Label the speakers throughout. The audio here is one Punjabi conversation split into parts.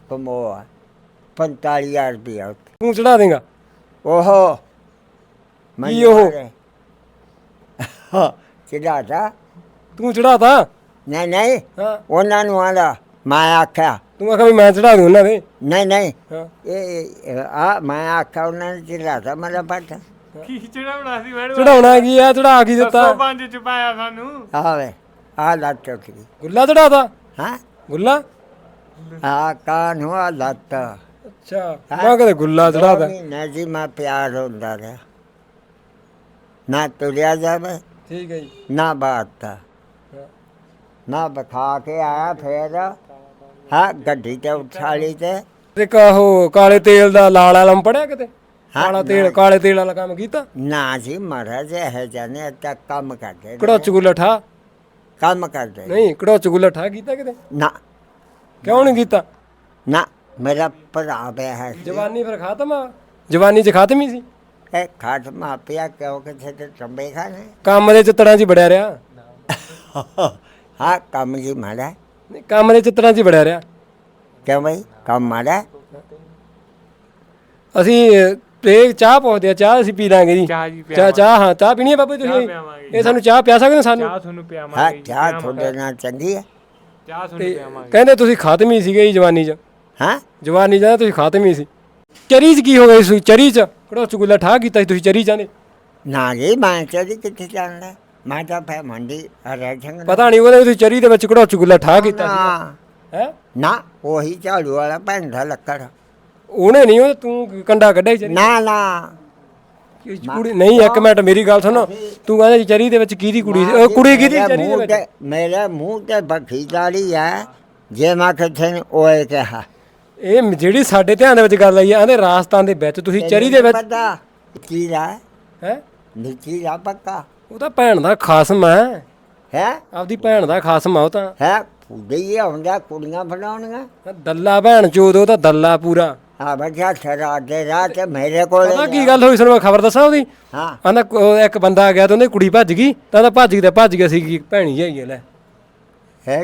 Speaker 1: ਕਮੋਆ 45,000 ਰੁਪਇਆ
Speaker 2: ਤੂੰ ਚੜਾ ਦੇਗਾ
Speaker 1: ਓਹੋ
Speaker 2: ਕੀ ਉਹ?
Speaker 1: ਚੜਾਤਾ
Speaker 2: ਤੂੰ ਚੜਾਤਾ
Speaker 1: ਨਹੀਂ ਨਹੀਂ
Speaker 2: ਹਾਂ
Speaker 1: ਉਹਨਾਂ ਨੂੰ ਆਂਦਾ ਮੈਂ ਆਖਿਆ
Speaker 2: ਤੂੰ ਆਖਿਆ ਵੀ ਮੈਂ ਚੜਾ ਦੂੰ ਉਹਨਾਂ ਦੇ
Speaker 1: ਨਹੀਂ ਨਹੀਂ
Speaker 2: ਹਾਂ
Speaker 1: ਇਹ ਆ ਮੈਂ ਆਖਿਆ ਉਹਨਾਂ ਨੇ ਚੜਾਤਾ ਮੇਰਾ ਪੱਟ
Speaker 3: ਕੀ ਚੜਾਉਣਾ ਸੀ ਮੈਡਮ
Speaker 2: ਚੜਾਉਣਾ ਕੀ ਆ ਚੜਾ ਕੀ ਦਿੱਤਾ
Speaker 3: 5 ਚ ਪਾਇਆ ਸਾਨੂੰ
Speaker 1: ਆਵੇ ਆ ਲੱਤ ਟੁੱਟੀ
Speaker 2: ਗੁੱਲਾ ਚੜਾਤਾ
Speaker 1: ਹਾਂ
Speaker 2: ਗੁੱਲਾ
Speaker 1: ਆ ਕਾਨ ਹੁਆ ਲੱਤ
Speaker 2: ਅੱਛਾ ਮੈਂ ਕਦੇ ਗੁੱਲਾ ਚੜਾਤਾ
Speaker 1: ਨਾ ਜੀ ਮੈਂ ਪਿਆਰ ਹੁੰਦਾ ਰਿਹਾ ਨਾ ਤੁਰਿਆ ਜਾਵੇ
Speaker 2: ਠੀਕ ਹੈ ਜੀ
Speaker 1: ਨਾ ਬਾਤਾ
Speaker 2: ਹਾਂ।
Speaker 1: ਨਾ ਬਖਾ ਕੇ ਆਇਆ ਫੇਰ ਹਾਂ ਗੱਡੀ ਤੇ ਉਠਾ ਲਈ ਤੇ
Speaker 2: ਤੇ ਕਾਹੋ ਕਾਲੇ ਤੇਲ ਦਾ ਲਾਲ ਆਲਮ ਪੜਿਆ ਕਿਤੇ
Speaker 1: ਹਾਂ,
Speaker 2: ਕਾਲਾ ਤੇਲ
Speaker 1: ਨਹੀਂ।
Speaker 2: ਕਾਲੇ ਤੇਲ ਵਾਲਾ ਕੰਮ ਕੀਤਾ
Speaker 1: ਨਾ ਜੀ ਮਹਾਰਾਜ ਇਹ ਜਾਨੇ ਤੱਕ ਕੰਮ ਕਰਦੇ ਨੇ।
Speaker 2: ਕੜੋਚ ਗੁੱਲਾ ਠਾ
Speaker 1: ਕੰਮ ਕਰਦੇ ਨੇ।
Speaker 2: ਨਹੀਂ ਕੜੋਚ ਗੁੱਲਾ ਠਾ ਕੀਤਾ ਕਿਤੇ
Speaker 1: ਨਾ
Speaker 2: ਕਿਉਂ ਨਹੀਂ ਕੀਤਾ
Speaker 1: ਨਾ ਮੇਰਾ ਭਰਾ ਪਿਆ ਹੈ ਸੀ।
Speaker 2: ਜਵਾਨੀ ਫਿਰ ਖਾਤਮ ਆ ਜਵਾਨੀ ਚ ਖਾਤਮ ਹੀ ਸੀ
Speaker 1: ਇਹ ਖਾਟ ਮਾਪਿਆ ਕਿਉਂ ਕਿਥੇ ਤੇ ਟੰਬੇ ਖਾਣੇ
Speaker 2: ਕੰਮ ਦੇ ਚਿੱਤਰਾਂ 'ਚ ਹੀ ਬੜਿਆ ਰਿਹਾ
Speaker 1: ਹਾਂ ਕੰਮ ਜੀ ਮਾੜਾ
Speaker 2: ਨਹੀਂ ਕੰਮ ਦੇ ਚਿੱਤਰਾਂ 'ਚ ਹੀ ਬੜਿਆ ਰਿਹਾ
Speaker 1: ਕਿਉਂ ਬਈ ਕੰਮ ਮਾੜਾ
Speaker 2: ਅਸੀਂ ਇਹ ਚਾਹ ਪਹੁੰਚਦੇ ਆ ਚਾਹ ਅਸੀਂ ਪੀ ਲਾਂਗੇ ਜੀ
Speaker 3: ਚਾਹ ਜੀ
Speaker 2: ਚਾਹ ਹਾਂ ਚਾਹ ਪੀਣੀ ਹੈ ਬਾਬਾ ਜੀ ਤੁਸੀਂ
Speaker 3: ਪਿਆਵਾਂਗੇ
Speaker 2: ਇਹ ਸਾਨੂੰ ਚਾਹ ਪਿਆ ਸਕਦੇ ਹੋ ਸਾਨੂੰ
Speaker 3: ਚਾਹ ਤੁਹਾਨੂੰ
Speaker 1: ਹਾਂ
Speaker 3: ਪਿਆਵਾਂਗੇ
Speaker 1: ਚਾਹ ਤੁਹਾਡੇ ਨਾਲ ਚੰਗੀ ਹੈ
Speaker 3: ਚਾਹ ਤੁਹਾਨੂੰ
Speaker 2: ਤੇ
Speaker 3: ਪਿਆਵਾਂਗੇ
Speaker 2: ਕਹਿੰਦੇ ਤੁਸੀਂ ਖਾਤਮ ਹੀ ਸੀਗੇ ਜੀ ਜਵਾਨੀ 'ਚ
Speaker 1: ਹਾਂ
Speaker 2: ਜਵਾਨੀ 'ਚ ਨਾ ਤੁਸੀਂ ਖਾਤਮ ਹੀ ਸੀ ਚਰੀ 'ਚ ਕੀ ਹੋ ਗਿਆ ਸੀ ਚਰੀ 'ਚ ਕੜੋਚ ਗੁੱਲਾ ਠਾ ਕੀਤਾ ਸੀ ਤੁਸੀਂ ਚਰੀ 'ਚ ਆਂਦੇ
Speaker 1: ਨਾ ਜੀ ਮੈਂ ਚਲੀ ਕਿੱਥੇ ਜਾਣਦਾ ਮੈਂ ਤਾਂ ਫੇ ਮੰਡੀ ਰਹਿ ਜਾਂਗਾ
Speaker 2: ਪਤਾ ਨਹੀਂ ਉਹਦੇ ਤੁਸੀਂ ਚਰੀ ਦੇ ਵਿੱਚ ਕੜੋਚ ਗੁੱਲਾ ਠਾ ਕੀਤਾ ਸੀ ਹੈ
Speaker 1: ਨਾ ਉਹੀ ਝਾੜੂ ਵਾਲਾ ਭੈਂਦਾ ਲੱਕੜ
Speaker 2: ਉਹਨੇ ਨਹੀਂ ਉਹ ਤੂੰ ਕੰਡਾ ਕੱਢਿਆ ਸੀ ਚਰੀ
Speaker 1: ਨਾ ਨਾ
Speaker 2: ਕੁੜੀ ਨਹੀਂ ਇੱਕ ਮਿੰਟ ਮੇਰੀ ਗੱਲ ਸੁਣੋ ਤੂੰ ਕਹਿੰਦਾ ਚਰੀ ਦੇ ਵਿੱਚ ਕਿਹਦੀ ਕੁੜੀ ਸੀ ਉਹ ਕੁੜੀ ਕਿਹਦੀ
Speaker 1: ਮੇਰੇ
Speaker 2: ਚਰੀ ਦੇ
Speaker 1: ਮੂੰਹ
Speaker 2: ਵਿੱਚ
Speaker 1: ਤੇ- ਮੇਰੇ ਮੂੰਹ ਤੇ ਬਖੀ ਦਾੜੀ ਹੈ ਜੇ ਮੈਂ ਕਿਥੇ ਓਏ ਕਿਹਾ
Speaker 2: ਇਹ ਜਿਹੜੀ ਸਾਡੇ ਧਿਆਨ ਦੇ ਵਿੱਚ ਗੱਲ ਆਈ ਆ ਆਂਦੇ ਰਾਜਸਥਾਨ ਦੇ ਵਿੱਚ ਤੁਸੀਂ ਚਰੀ ਦੇ ਵਿੱਚ
Speaker 1: ਪਤਾ ਕੀ ਰਾ
Speaker 2: ਹੈ
Speaker 1: ਨੀਚੀ ਰਾ ਪੱਕਾ
Speaker 2: ਉਹ ਤਾਂ ਭੈਣ ਦਾ ਖਾਸਮ ਹੈ
Speaker 1: ਹੈ
Speaker 2: ਆਪਦੀ ਭੈਣ ਦਾ ਖਾਸਮ ਆ ਉਹ ਤਾਂ
Speaker 1: ਹੈ ਫੁੱਡੇ ਹੀ ਹੁੰਦਾ ਕੁੜੀਆਂ ਬਣਾਉਣੀਆਂ
Speaker 2: ਦੱਲਾ ਭੈਣ ਚੋਦ ਉਹ ਤਾਂ ਦੱਲਾ ਪੂਰਾ
Speaker 1: ਆ ਬੱਚਾ ਠਰਾ ਦੇ ਰਾਤ ਤੇ ਮੇਰੇ ਕੋਲ
Speaker 2: ਪਤਾ ਕੀ ਗੱਲ ਹੋਈ ਸਾਨੂੰ ਮੈਂ ਖਬਰ ਦੱਸਾਂ ਉਹਦੀ
Speaker 1: ਹਾਂ
Speaker 2: ਆਂਦਾ ਇੱਕ ਬੰਦਾ ਆ ਗਿਆ ਤੇ ਉਹਦੀ ਕੁੜੀ ਭੱਜ ਗਈ ਤਾਂ ਉਹਦਾ ਭੱਜ ਗਿਆ ਸੀ ਕਿ ਭੈਣੀ ਹੈਗੀ ਆ ਲੈ
Speaker 1: ਹੈ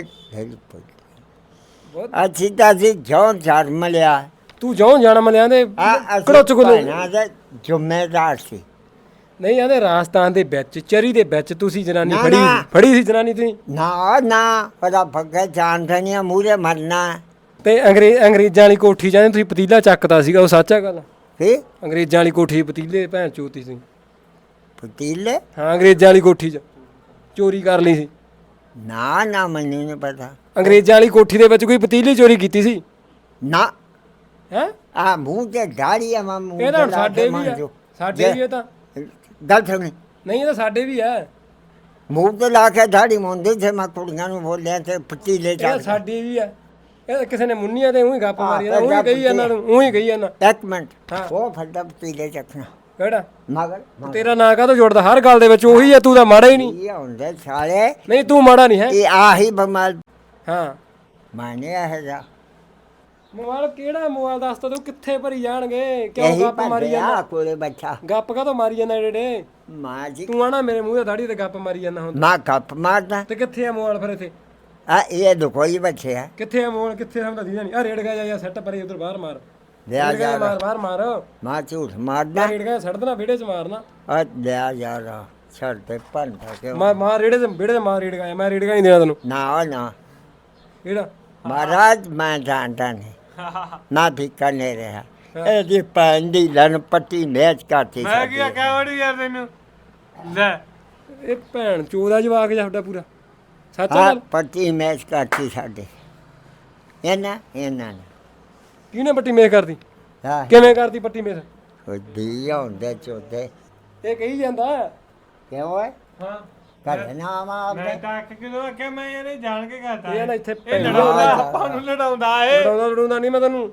Speaker 1: ਅੱਛੀ ਤਾਂ ਜੀ ਜੋਂ ਜਨਮ ਲਿਆ
Speaker 2: ਤੂੰ ਜਿਉਂ ਜਾਣਾ ਮਲਿਆਂ ਦੇ
Speaker 1: ਆ
Speaker 2: ਕੜੋਚ ਗੁੱਲੇ
Speaker 1: ਭੈਣਾਂ ਦੇ ਜ਼ਿੰਮੇਦਾਰ ਸੀ
Speaker 2: ਨਹੀਂ ਆਂਦੇ ਰਾਜਸਥਾਨ ਦੇ ਵਿੱਚ ਚਰੀ ਦੇ ਵਿੱਚ ਤੁਸੀਂ ਜਨਾਨੀ
Speaker 1: ਨਾ,
Speaker 2: ਫੜੀ
Speaker 1: ਨਾ।
Speaker 2: ਫੜੀ ਸੀ ਜਨਾਨੀ ਤੁਸੀਂ
Speaker 1: ਨਾ ਨਾ ਪਤਾ ਫੱਗੇ ਜਾਣਦੇ ਨਹੀਂ ਮੂਰੇ ਮਰਨਾ
Speaker 2: ਤੇ ਅੰਗਰੇਜ਼ਾਂ ਵਾਲੀ ਕੋਠੀ ਜਾਂਦੇ ਤੁਸੀਂ ਪਤੀਲਾ ਚੱਕਦਾ ਸੀਗਾ ਉਹ ਸੱਚ ਆ ਗੱਲ
Speaker 1: ਕੀ
Speaker 2: ਅੰਗਰੇਜ਼ਾਂ ਵਾਲੀ ਕੋਠੀ ਪਤੀਲੇ ਭੈਣ ਚੋਤੀ ਸੀ
Speaker 1: ਪਤੀਲੇ
Speaker 2: ਹਾਂ ਅੰਗਰੇਜ਼ਾਂ ਵਾਲੀ ਕੋਠੀ 'ਚ ਚੋਰੀ ਕਰ ਲਈ ਸੀ
Speaker 1: ਨਾ ਨਾ ਮੈਨੂੰ ਨਹੀਂ ਪਤਾ
Speaker 2: ਅੰਗਰੇਜ਼ਾਂ ਵਾਲੀ ਕੋਠੀ ਦੇ ਵਿੱਚ ਕੋਈ ਪਤੀਲੀ ਚੋਰੀ ਕੀਤੀ ਸੀ
Speaker 1: ਨਾ
Speaker 2: ਹੈ
Speaker 1: ਆ ਮੂੰਹ ਤੇ ਦਾੜੀ ਆ ਮੈਂ ਮੂੰਹ
Speaker 2: ਇਹ
Speaker 1: ਤੇ
Speaker 2: ਤਾਂ
Speaker 1: ਲਾ
Speaker 2: ਸਾਡੇ
Speaker 1: ਕੇ
Speaker 2: ਵੀ ਆ
Speaker 1: ਮੰਜੋ
Speaker 2: ਸਾਡੇ ਵੀ ਇਹ ਤਾਂ
Speaker 1: ਗੱਲ ਸੁਣੀ
Speaker 2: ਨਹੀਂ ਇਹ ਤਾਂ ਸਾਡੇ ਵੀ ਆ
Speaker 1: ਮੂੰਹ ਤੇ ਲਾ ਕੇ ਦਾੜੀ ਮੁੰਦੀ ਤੇ ਮੈਂ ਕੁੜੀਆਂ ਨੂੰ ਬੋਲਿਆ ਤੇ ਪਤੀਲੇ
Speaker 2: ਇਹ
Speaker 1: ਚੱਲ
Speaker 2: ਸਾਡੀ ਵੀ ਆ ਇਹ ਕਿਸੇ ਨੇ ਮੁੰਨੀਆਂ ਤੇ ਉਹੀ ਗੱਪ ਮਾਰੀ
Speaker 1: ਹਾਂ,
Speaker 2: ਉਹੀ ਗਈ ਇਹਨਾਂ ਨੂੰ ਉਹੀ ਗਈ ਇਹਨਾਂ
Speaker 1: ਇੱਕ ਮਿੰਟ
Speaker 2: ਹਾਂ।
Speaker 1: ਉਹ ਫੱਡਾ ਪਤੀਲੇ ਚੱਕਣਾ
Speaker 2: ਕਿਹੜਾ
Speaker 1: ਮਗਰ
Speaker 2: ਤੇਰਾ ਨਾਂ ਕਾਹਤੋਂ ਜੋੜਦਾ ਹਰ ਗੱਲ ਦੇ ਵਿੱਚ ਉਹੀ ਆ ਤੂੰ ਤਾਂ ਮਾੜਾ ਹੀ ਨਹੀਂ
Speaker 1: ਇਹ ਹੁੰਦੇ ਸਾਲੇ
Speaker 2: ਨਹੀਂ ਤੂੰ ਮਾੜਾ ਨਹੀਂ ਹੈ
Speaker 1: ਇਹ ਆਹੀ ਬਮਾਲ
Speaker 2: ਹਾਂ
Speaker 1: ਮਾਨੇ ਇਹ ਜਾ
Speaker 2: ਮੋਬਾਈਲ ਕਿਹੜਾ ਮੋਬਾਈਲ ਦੱਸ ਤਾ ਤੂੰ ਕਿੱਥੇ ਭਰੀ ਜਾਣਗੇ ਕਿਉਂ
Speaker 1: ਇਹੀ
Speaker 2: ਗੱਪ ਮਾਰੀ
Speaker 1: ਭਰਦੇ ਆ
Speaker 2: ਜਾਂਦਾ
Speaker 1: ਕੋਲੇ ਬੱਚਾ
Speaker 2: ਗੱਪ ਕਾਹਤੋਂ ਮਾਰੀ ਜਾਂਦਾ ਜਿਹੜੇ
Speaker 1: ਮਾਂ ਜੀ
Speaker 2: ਤੂੰ ਆਣਾ ਮੇਰੇ ਮੂੰਹ ਤੇ ਦਾੜੀ ਤੇ ਗੱਪ ਮਾਰੀ ਜਾਂਦਾ ਹੁਣ
Speaker 1: ਮਾਂ ਕੱਪ ਮਾਰਦਾ
Speaker 2: ਤੇ ਕਿੱਥੇ ਆ ਮੋਬਾਈਲ ਫਿਰ ਇੱਥੇ
Speaker 1: ਆ ਇਹ ਦੁਖੋਈ ਬੱਚੇ ਆ
Speaker 2: ਕਿੱਥੇ ਆ ਮੋਬਾਈਲ ਕਿੱਥੇ ਸਮਝਦਾ ਦੀਦਾ ਨਹੀਂ ਆ ਰੇੜ ਗਿਆ ਜਾਂ ਸੈੱਟ ਪਰੇ ਉਧਰ ਬਾਹਰ ਮਾਰ
Speaker 1: ਲਿਆ
Speaker 2: ਰੇੜ ਗਿਆ
Speaker 1: ਜਾ
Speaker 2: ਮਾਰ ਬਾਹਰ ਮਾਰ
Speaker 1: ਮਾਂ ਝੂਠ ਮਾਰਦਾ
Speaker 2: ਰੇੜ ਗਿਆ ਛੱਡ ਦੇਣਾ ਵਿਹੜੇ 'ਚ ਮਾਰਨਾ
Speaker 1: ਆ ਲਿਆ ਜਾ ਛੱਡ ਤੇ ਭੰਡਾ ਕੇ
Speaker 2: ਮਾਰ ਰੇੜੇ 'ਚ ਵਿਹੜੇ 'ਚ ਮਾਰ ਰੇੜ ਗਿਆ ਮੈਂ ਰੇੜ ਗਿਆ ਨਹੀਂ ਦੇਣਾ ਤੈਨੂੰ
Speaker 1: ਨਾ ਨਾ
Speaker 2: ਕਿਹੜਾ
Speaker 1: ਮਹਾਰਾਜ ਮੈਂ ਜਾਣਦਾ ਨਹੀਂ ਨਾ ਭਿੱਖਾ ਨਹੀਂ ਰਿਹਾ ਇਹਦੀ ਭੈਣ ਦੀ ਲਨ ਪੱਟੀ ਮੈਚ ਕਰਤੀ
Speaker 3: ਮੈਂ ਕੀ ਆਖਿਆ ਵੜੀ ਯਾਰ ਤੈਨੂੰ ਲੈ
Speaker 2: ਇਹ ਭੈਣ ਚੋਦਾ ਜਵਾਕ ਜਾ ਸਾਡਾ ਪੂਰਾ ਸੱਚ ਆ
Speaker 1: ਹਾਂ
Speaker 2: ਗੱਲ
Speaker 1: ਪੱਟੀ ਮੈਚ ਕਰਤੀ ਸਾਡੇ ਇਹਨਾਂ ਨੇ
Speaker 2: ਕਿਹਨੇ ਪੱਟੀ ਮੇਖ ਕਰਦੀ
Speaker 1: ਹਾਂ
Speaker 2: ਕਿਵੇਂ ਕਰਦੀ ਪੱਟੀ ਮੇਖ
Speaker 1: ਦੀ ਹੁੰਦੇ ਚੋਦੇ
Speaker 2: ਇਹ ਕਹੀ ਜਾਂਦਾ
Speaker 1: ਕਿਉਂ ਹੈ
Speaker 3: ਹਾਂ
Speaker 1: ਘਰੇ ਨਾ ਆਵਾ
Speaker 3: ਮੈਂ ਤਾਂ ਅੱਖ ਕਿਦੋਂ ਆਖਿਆ ਮੈਂ ਇਹਨੇ ਜਾਣ ਕੇ ਕਰਤਾ
Speaker 2: ਇਹ ਨਾ ਇੱਥੇ
Speaker 3: ਇਹ ਲੜਾਉਂਦਾ ਆਪਾਂ ਨੂੰ ਲੜਾਉਂਦਾ ਏ
Speaker 2: ਲੜਾਉਂਦਾ ਨਹੀਂ ਮੈਂ ਤੈਨੂੰ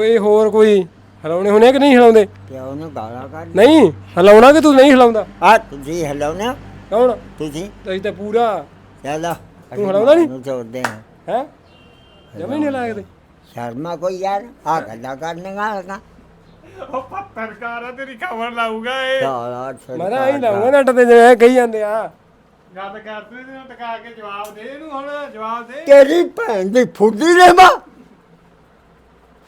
Speaker 2: ਕੋਈ ਹਿਲਾਉਣੇ ਹੋਣੇ ਕਿ ਨਹੀਂ ਹਿਲਾਉਂਦੇ
Speaker 1: ਪਿਓ ਨੂੰ ਗਾਲਾਂ ਕੱਢ
Speaker 2: ਨਹੀਂ ਹਿਲਾਉਣਾ ਕਿ ਤੂੰ ਨਹੀਂ ਹਿਲਾਉਂਦਾ
Speaker 1: ਆ ਤੁਸੀਂ ਹਲੋ ਨਾ
Speaker 2: ਕੌਣ
Speaker 1: ਤੁਸੀਂ
Speaker 2: ਅਸੀਂ ਤਾਂ ਪੂਰਾ
Speaker 1: ਚਲੋ
Speaker 2: ਤੂੰ ਹਲਾਉਂਦਾ ਨੀ?
Speaker 1: ਨੂੰ ਚੋਦੇ ਹਾਂ
Speaker 2: ਹੈ ਜਮੀ ਨਹੀਂ ਲਾਇਆ ਕਿਤੇ
Speaker 1: ਸ਼ਰਮਾ ਕੋਈ ਯਾਰ ਆ ਗੱਲਾਂ ਕਰਨੇਗਾ ਲਗਾ
Speaker 3: ਉਹ ਪੱਤਰਕਾਰ ਆ ਤੇਰੀ ਖਬਰ ਲਾਊਗਾ ਏ
Speaker 1: ਸਾਲਾ
Speaker 2: ਮੈਂ ਤਾਂ ਆਹੀ ਲਾਉਂਗਾ ਨੱਟ ਤੇ ਜਿਵੇਂ ਕਹੀ ਜਾਂਦੇ ਆ
Speaker 3: ਗੱਲ ਕਰਦੇ ਨੇ ਟਕਾ ਕੇ ਜਵਾਬ ਦੇ ਇਹਨੂੰ ਹੁਣ ਜਵਾਬ ਦੇ
Speaker 1: ਤੇਰੀ ਭੈਣ ਦੀ ਫੁੱਦੀ ਰੇ ਮਾ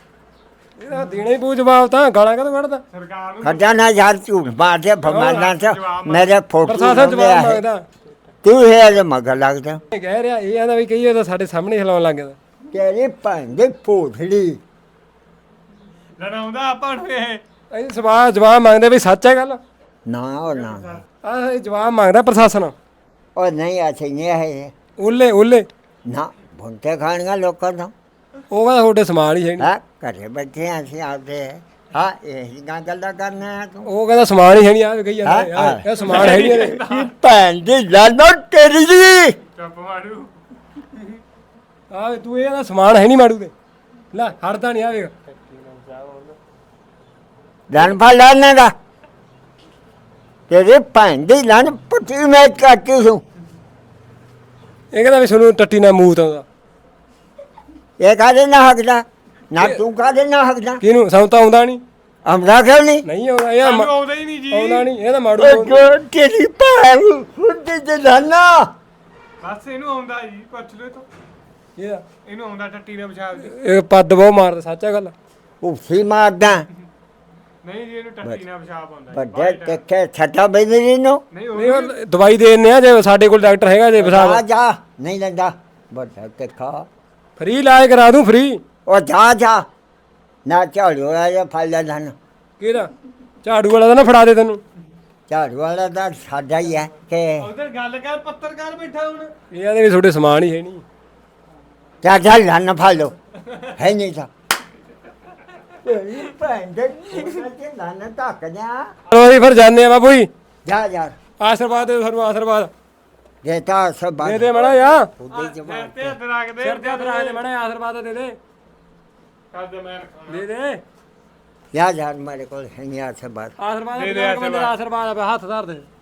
Speaker 2: ਇਹਦਾ ਦੇਣਾ ਹੀ ਪਊ ਜਵਾਬ ਤਾਂ ਗਾਲਾਂ ਕਦੋਂ ਕੱਢਦਾ
Speaker 3: ਸਰਕਾਰ ਨੂੰ
Speaker 1: ਖੱਡਾ ਨਾ ਯਾਰ ਝੂਠ ਮਾਰਦੇ ਫਰਮਾਨਾਂ ਚ ਮੇਰੇ ਫੋਟੋ
Speaker 2: ਪ੍ਰਸ਼ਾਸਨ ਜਵਾਬ ਮੰਗਦਾ
Speaker 1: ਤੂੰ ਇਹ ਮਗਰ ਲੱਗਦਾ
Speaker 2: ਇਹ ਕਹਿ ਰਿਹਾ ਇਹ ਆਂਦਾ ਵੀ ਕਹੀਏ ਤਾਂ ਸਾਡੇ ਸਾਹਮਣੇ ਹਿਲਾਉਣ ਲੱਗ ਗਿਆ
Speaker 1: ਤੇਰੀ ਭੈਣ ਦੀ ਪੋਥੜੀ
Speaker 3: ਲੜਾਉਂਦਾ ਆਪਾਂ ਨੂੰ ਇਹ
Speaker 2: ਇਹ ਸਵਾਲ ਜਵਾਬ ਮੰਗਦੇ ਵੀ ਸੱਚ ਹੈ ਗੱਲ
Speaker 1: ਨਾ ਉਹ ਨਾ
Speaker 2: ਆਹ ਜਵਾਬ ਮੰਗਦਾ ਪ੍ਰਸ਼ਾਸਨ
Speaker 1: ਉਹ ਨਹੀਂ ਅਸੀਂ ਨਹੀਂ ਹੈ
Speaker 2: ਓਲੇ
Speaker 1: ਨਾ ਭੁੰਤੇ ਖਾਣੀਆਂ ਲੋਕਾਂ ਤੋਂ
Speaker 2: ਉਹ ਕਹਿੰਦਾ ਤੁਹਾਡੇ ਸਮਾਨ ਹੀ ਹੈ ਨਹੀਂ
Speaker 1: ਹਾਂ ਘਰੇ ਬੈਠੇ ਹਾਂ ਅਸੀਂ ਆਪਦੇ ਹਾਂ ਇਹ ਗੱਲਾਂ ਕਰਨਾ ਤੂੰ
Speaker 2: ਉਹ ਕਹਿੰਦਾ ਸਮਾਨ ਹੀ ਹੈ ਨਹੀਂ ਆ ਵੀ ਕਹੀ ਜਾਂਦਾ ਯਾਰ ਇਹ ਸਮਾਨ ਹੈ ਨਹੀਂ ਇਹਦੇ।
Speaker 1: ਕੀ ਭੈਣ ਦੀ ਲਾਨੋ ਤੇਰੀ ਦੀ
Speaker 3: ਚੁੱਪ ਮਾਰੂ
Speaker 2: ਆ ਤੂੰ ਇਹ ਕਹਿੰਦਾ ਸਮਾਨ ਹੈ ਨਹੀਂ ਮਾੜੂ ਦੇ ਲੈ ਹੜਦਾ ਨਹੀਂ ਆ ਵੇਖ
Speaker 1: ਜਾਨ ਫਾ ਲਾਣੇ ਦਾ ਤੇਰੀ ਭੈਣ ਦੀ ਲਾਨ ਪੱਟੀ ਮੈਂ ਕੱਟੀ ਹੂੰ
Speaker 2: ਇਹ ਕਹਿੰਦਾ ਵੀ ਸਾਨੂੰ ਟੱਟੀ ਨਾਲ ਮੂਤ ਆਉਂਦਾ
Speaker 1: ਇਹ ਕਾਹਦੇ ਨਾ ਹੱਕਦਾ ਨਾ ਤੂੰ ਕਾਹਦੇ ਨਾ ਹੱਕਦਾ
Speaker 2: ਕਿਹਨੂੰ ਸਾਨੂੰ ਤਾਂ ਆਉਂਦਾ ਨਹੀਂ
Speaker 1: ਆਮਦਾ ਕਿਉਂ ਨਹੀਂ
Speaker 2: ਨਹੀਂ ਆਉਂਦਾ ਇਹ
Speaker 3: ਸਾਨੂੰ ਆਉਂਦਾ ਹੀ ਨਹੀਂ ਜੀ
Speaker 2: ਆਉਂਦਾ ਨਹੀਂ ਇਹ ਤਾਂ ਮਾੜੂ
Speaker 1: ਉਹ
Speaker 2: ਬੋਲਦਾ।
Speaker 1: ਤੇਰੀ ਭੈਣ ਫੁੱਟੀ ਤੇ ਲਾਨਾ
Speaker 3: ਬਸ ਇਹਨੂੰ ਆਉਂਦਾ ਜੀ ਪੁੱਛ ਲਓ ਤੋ
Speaker 2: ਇਹਦਾ
Speaker 3: ਇਹਨੂੰ ਆਉਂਦਾ ਟੱਟੀ ਨੇ ਪਿਸ਼ਾਬ ਜੀ
Speaker 2: ਇਹ ਪੱਦ ਬਹੁ ਮਾਰਦਾ ਸੱਚ ਹੈ ਗੱਲ
Speaker 1: ਉਫੀ ਮਾਰਦਾ
Speaker 3: ਨਹੀਂ ਜੀ ਇਹਨੂੰ ਟੱਟੀ ਨਾਲ ਪਿਸ਼ਾਬ ਆਉਂਦਾ ਜੀ।
Speaker 1: ਵੱਡੇ ਟੱਕੇ ਛੱਟਾ ਬੈਦਰੀ ਨੂੰ
Speaker 3: ਨਹੀਂ ਉਹ
Speaker 2: ਨਹੀਂ ਉਹ ਦਵਾਈ ਦੇ ਦਿੰਦੇ ਆ ਜੇ ਸਾਡੇ ਕੋਲ ਡਾਕਟਰ ਹੈਗਾ ਜੇ
Speaker 1: ਆ
Speaker 2: ਬਸਾਬ
Speaker 1: ਜਾ ਨਹੀਂ ਲੈਂਦਾ ਵੱਡਾ ਟੱਕਾ
Speaker 2: ਫ੍ਰੀ ਇਲਾਜ ਕਰਾ ਦੂੰ ਫ੍ਰੀ
Speaker 1: ਉਹ ਜਾ ਨਾ ਝਾੜੂ ਵਾਲਾ ਜਾਂ ਫੜ ਲੈ ਧਨ
Speaker 2: ਕਿਹਦਾ ਝਾੜੂ ਵਾਲਾ ਤਾਂ ਨਾ ਫੜਾ ਦੇ ਤੈਨੂੰ
Speaker 1: ਝਾੜੂ ਵਾਲਾ ਤਾਂ ਸਾਡਾ ਹੀ ਹੈ ਕਿ
Speaker 3: ਉਧਰ ਗੱਲ ਕਰ ਪੱਤਰਕਾਰ ਬੈਠਾ ਹੁਣ
Speaker 2: ਇਹ ਆਦੇ ਵੀ ਤੁਹਾਡੇ ਸਮਾਨ ਹੀ ਹੈ ਨਹੀਂ
Speaker 1: ਜਾ ਧਨ ਫੜ ਲੋ ਹੈ ਨਹੀਂ ਤਾਂ ਤੇਰੀ ਭੈਣ ਦੇ ਧਨ ਧੱਕ ਜਾ
Speaker 2: ਚਲੋ ਅਸੀਂ ਫਿਰ ਜਾਂਦੇ ਆ ਬਾਬੂ ਜੀ
Speaker 1: ਜਾ ਯਾਰ
Speaker 2: ਆਸ਼ੀਰਵਾਦ ਦੇ ਸਾਨੂੰ ਆਸ਼ੀਰਵਾਦ
Speaker 1: ਦੇਤਾ ਸਭ
Speaker 2: ਦੇ ਦੇ ਮੜਾ ਯਾ
Speaker 1: ਉਹਦੇ
Speaker 3: ਸਿਰ
Speaker 1: ਜਵਾਬ
Speaker 3: ਤੇ ਹੱਥ ਰੱਖ ਦੇ
Speaker 2: ਸਿਰ ਤੇ ਹੱਥ ਰੱਖ ਦੇ ਮੜਾ ਆਸ਼ੀਰਵਾਦ ਦੇ ਦੇ
Speaker 3: ਕਰ ਦੇ ਮੈਂ ਰੱਖਾਂ
Speaker 2: ਦੇ ਦੇ
Speaker 1: ਯਾ ਯਾਰ ਮੇਰੇ ਕੋਲ ਹੈ ਨਹੀਂ ਆ ਸਭ
Speaker 2: ਆਸ਼ੀਰਵਾਦ
Speaker 3: ਦੇ ਦੇ
Speaker 2: ਦੇ ਬੰਦੇ ਦਾ ਆਸ਼ੀਰਵਾਦ ਆ ਹੱਥ ਧਰ ਦੇ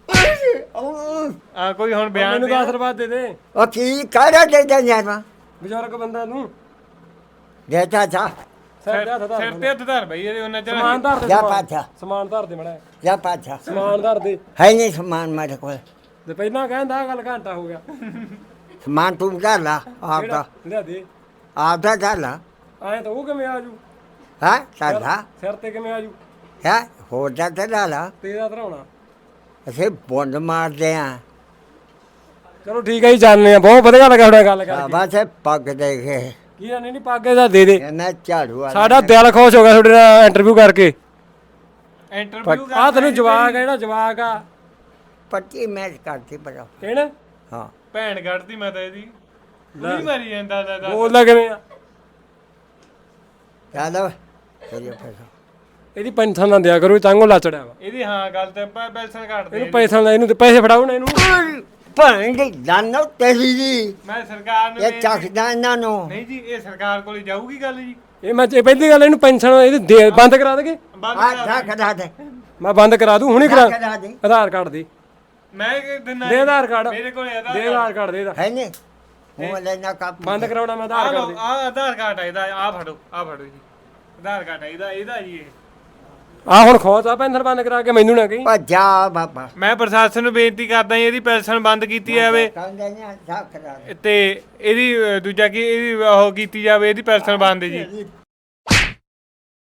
Speaker 3: ਆ ਕੋਈ ਹੁਣ ਬਿਆਨ
Speaker 2: ਮੈਨੂੰ
Speaker 3: ਦੇ
Speaker 2: ਤਾਂ ਆਸ਼ੀਰਵਾਦ ਦੇ ਦੇ
Speaker 1: ਉਹ ਕੀ ਕਰ ਦੇ ਦੇ ਯਾਰ
Speaker 2: ਬਜ਼ੁਰਗ ਬੰਦਾ ਨੂੰ
Speaker 1: ਦੇਤਾ ਜਾ
Speaker 2: ਸਿਰ ਤੇ ਹੱਥ ਧਰ
Speaker 3: ਸਿਰ ਤੇ ਹੱਥ ਧਰ ਬਈ ਇਹਦੇ ਉਹਨਾਂ ਚ
Speaker 2: ਸਮਾਨ ਧਰ ਦੇ
Speaker 1: ਜਾ
Speaker 2: ਸਮਾਨ।
Speaker 1: ਪਾਛਾ
Speaker 2: ਸਮਾਨ ਧਰ ਦੇ ਮੜਾ
Speaker 1: ਜਾ ਪਾਛਾ
Speaker 2: ਸਮਾਨ ਧਰ ਦੇ
Speaker 1: ਹੈ ਨਹੀਂ ਸਮਾਨ ਮੇਰੇ ਕੋਲ
Speaker 2: ਤੇ ਪਹਿਲਾਂ ਕਹਿੰਦਾ ਆਹ ਗੱਲ ਘੰਟਾ ਹੋ ਗਿਆ
Speaker 1: ਸਮਾਨ ਤੂੰ ਕਰ ਲਾ ਆਪਦਾ
Speaker 2: ਲਿਆ ਦੇ
Speaker 1: ਆਪਦਾ ਕਰ ਲਾ
Speaker 2: ਐਂ ਤਾਂ ਉਹ ਕਿਵੇਂ ਆਜੂ
Speaker 1: ਹਾਂ ਸਾਡਾ
Speaker 2: ਸਿਰ ਤੇ ਕਿਵੇਂ ਆਜੂ
Speaker 1: ਹੈ ਹੋਰ ਜਾ ਤੇ ਲਾ ਲਾ
Speaker 2: ਤੇਰਾ ਧਰਾਉਣਾ
Speaker 1: ਅਸੀਂ ਬੁੰਡ ਮਾਰਦੇ ਆ
Speaker 2: ਚਲੋ ਠੀਕ ਹੈ ਜੀ ਜਾਣਦੇ ਆ ਬਹੁਤ ਵਧੀਆ ਲੱਗਾ ਤੁਹਾਡਾ ਗੱਲ ਕਰਕੇ
Speaker 1: ਬਸ ਪੱਗ ਦੇ ਕੇ
Speaker 2: ਕੀ ਆ ਨਹੀਂ ਪਾਗੇ ਦਾ ਦੇ ਦੇ
Speaker 1: ਇਹਨਾਂ ਝਾੜੂ ਵਾਲਾ
Speaker 2: ਸਾਡਾ ਦਿਲ ਖੁਸ਼ ਹੋ ਗਿਆ ਤੁਹਾਡੇ ਨਾਲ ਇੰਟਰਵਿਊ ਕਰਕੇ
Speaker 3: ਇੰਟਰਵਿਊ
Speaker 2: ਆ ਤੈਨੂੰ ਜਵਾਕ ਆ ਜਿਹੜਾ ਜਵਾਕ ਆ
Speaker 1: ਪੱਟੀ ਮੈਚ ਕਰਤੀ ਬੜਾ
Speaker 2: ਕਹਿਣਾ
Speaker 1: ਹਾਂ
Speaker 3: ਭੈਣ ਕੱਢਦੀ ਮੈਂ ਤਾਂ ਇਹਦੀ ਨਹੀਂ ਮਾਰੀ ਜਾਂਦਾ ਦਾ
Speaker 2: ਬੋਲਦਾ ਕਿਵੇਂ ਆ
Speaker 1: ਚਲੋ ਚਲਿਏ ਫਿਰ
Speaker 2: ਇਹਦੀ ਪੈਨਸ਼ਨ ਨਾ ਦਿਆ ਕਰੋ ਚਾਂਗੋ ਲਾਚੜਿਆ ਵਾ
Speaker 3: ਇਹਦੀ ਹਾਂ ਗੱਲ ਤੇ ਪੈਸਾ ਕੱਢ ਦੇ
Speaker 2: ਇਹਨੂੰ ਪੈਸਾ ਨਾ ਇਹਨੂੰ ਤੇ ਪੈਸੇ ਫੜਾਓ ਨਾ ਇਹਨੂੰ
Speaker 1: ਭੈਣ ਦੀ ਜਾਨੋ ਤੇਰੀ ਜੀ
Speaker 3: ਮੈਂ ਸਰਕਾਰ ਨੂੰ
Speaker 1: ਇਹ ਚੱਕਦਾ ਇਹਨਾਂ ਨੂੰ
Speaker 3: ਨਹੀਂ ਜੀ ਇਹ ਸਰਕਾਰ ਕੋਲ ਹੀ ਜਾਊਗੀ ਗੱਲ ਜੀ
Speaker 2: ਇਹ ਮੈਂ ਇਹ ਪਹਿਲੀ ਗੱਲ ਇਹਨੂੰ ਪੈਨਸ਼ਨ ਇਹਦੀ ਬੰਦ ਕਰਾ ਦੇਗੇ
Speaker 3: ਬੰਦ
Speaker 1: ਆ
Speaker 3: ਕਰਾ
Speaker 1: ਜਾ
Speaker 3: ਦਿਓ।
Speaker 1: ਕਰਾ ਦੇ
Speaker 2: ਮੈਂ ਬੰਦ ਕਰਾ ਦੂੰ ਹੁਣੇ ਕਰਾ
Speaker 1: ਕਰਾ ਦੇ
Speaker 2: ਆਧਾਰ ਕਾਰਡ ਦੇ
Speaker 3: ਮੈਂ ਕਿ ਦਿਨਾ
Speaker 2: ਦੇ ਆਧਾਰ ਕਾਰਡ
Speaker 3: ਮੇਰੇ ਕੋਲ ਇਹਦਾ
Speaker 2: ਦੇ ਆਧਾਰ ਕਾਰਡ ਦੇ ਇਹਦਾ
Speaker 1: ਹੈ ਨਹੀਂ ਉਹ ਲੈਣਾ ਕੱਪ
Speaker 2: ਬੰਦ ਕਰਾਉਣਾ ਮੈਂ ਆਧਾਰ ਕਾਰਡ ਦੇ
Speaker 3: ਆ ਆਧਾਰ ਕਾਰਡ ਆ ਇਹਦਾ ਆ ਫੜੋ ਜੀ ਆਧਾਰ ਕਾਰਡ ਆ ਇਹਦਾ ਜੀ ਇਹ
Speaker 2: ਆ ਹੁਣ ਖੋਜ ਆ ਪੈਨਸ਼ਨ ਬੰਦ ਕਰਾ ਕੇ ਮੈਨੂੰ ਨਾ ਕਹੀਂ
Speaker 1: ਭੱਜਾ ਬਾਬਾ
Speaker 3: ਮੈਂ ਪ੍ਰਸ਼ਾਸਨ ਨੂੰ ਬੇਨਤੀ ਕਰਦਾ ਜੀ ਇਹਦੀ ਪੈਨਸ਼ਨ ਬੰਦ ਕੀਤੀ ਜਾਵੇ
Speaker 1: ਕਹਿੰਦੇ ਨੇ ਜਾ ਕਰਾ ਦੇ
Speaker 3: ਤੇ ਇਹਦੀ ਦੂਜਾ ਕੀ ਇਹਦੀ ਉਹ ਕੀਤੀ ਜਾਵੇ ਇਹਦੀ ਪੈਨਸ਼ਨ ਬੰਦ ਜੀ
Speaker 1: ਤੇਰੀ